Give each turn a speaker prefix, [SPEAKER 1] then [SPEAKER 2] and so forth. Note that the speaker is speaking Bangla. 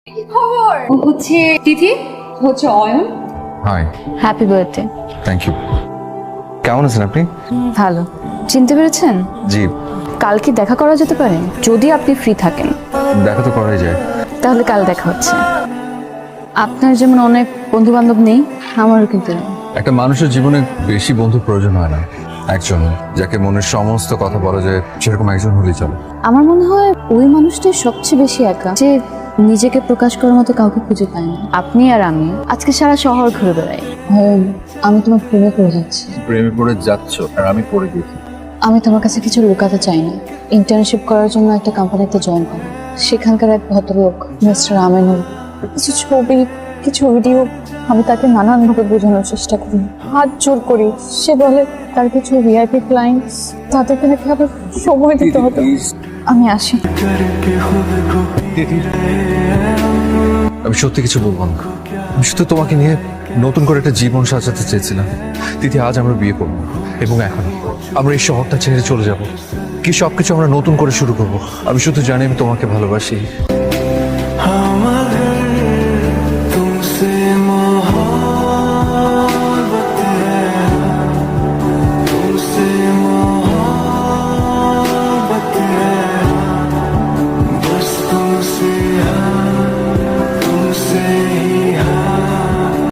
[SPEAKER 1] কি খবর? ও হচ্ছে তিথি, হচ্ছে Ayan.
[SPEAKER 2] Hi,
[SPEAKER 3] happy birthday.
[SPEAKER 2] Thank you. কেমন আছেন আপনি?
[SPEAKER 3] ভালো। চিনতে পেরেছেন?
[SPEAKER 2] জি,
[SPEAKER 3] কালকে দেখা করা যেতে পারে যদি আপনি ফ্রি থাকেন।
[SPEAKER 2] দেখা তো করাই যায়।
[SPEAKER 3] তাহলে কাল দেখা হচ্ছে। আপনার যেমন অনেক বন্ধু বান্ধব নেই, আমারও কিন্তু নেই।
[SPEAKER 2] একটা মানুষের জীবনে বেশি বন্ধুর প্রয়োজন হয় না, একজন যাকে মনের সমস্ত কথা বলা যায় সেরকম একজন হলেই চলে।
[SPEAKER 3] আমার মনে হয় ওই মানুষটাই সবচেয়ে বেশি একা, যে নিজেকে প্রকাশ করার মতো কাউকে খুঁজে পায় না। আপনি আর আমি আজকে সারা শহর ঘুরে বেড়াই। আমি তোমার প্রেমে পড়ে যাচ্ছি।
[SPEAKER 2] প্রেমে পড়ে যাচ্ছ আর আমি পড়ে গেছি।
[SPEAKER 3] আমি তোমার কাছে কিছু লুকাতে চাই না। ইন্টার্নশিপ করার জন্য একটা কোম্পানিতে জয়েন করি। সেখানকার এক ভদ্রলোক মিস্টার আমিনুল, কিছু ছবি, কিছু ভিডিও, আমি তাকে নানানভাবে বোঝানোর চেষ্টা করি, হাত জোর করি। সে বলে তার কিছু ভিআইপি ক্লায়েন্টস, তাদেরকে নাকি আবার সময় দিতে হবে। আমি আসি।
[SPEAKER 2] আমি সত্যি কিছু বলবো না, আমি শুধু তোমাকে নিয়ে নতুন করে একটা জীবন সাজাতে চেয়েছিলাম। তিথি, আজ আমরা বিয়ে করবো এবং এখন আমরা এই শহরটা ছেড়ে চলে যাব, কি সবকিছু আমরা নতুন করে শুরু করব। আমি শুধু জানি আমি তোমাকে ভালোবাসি।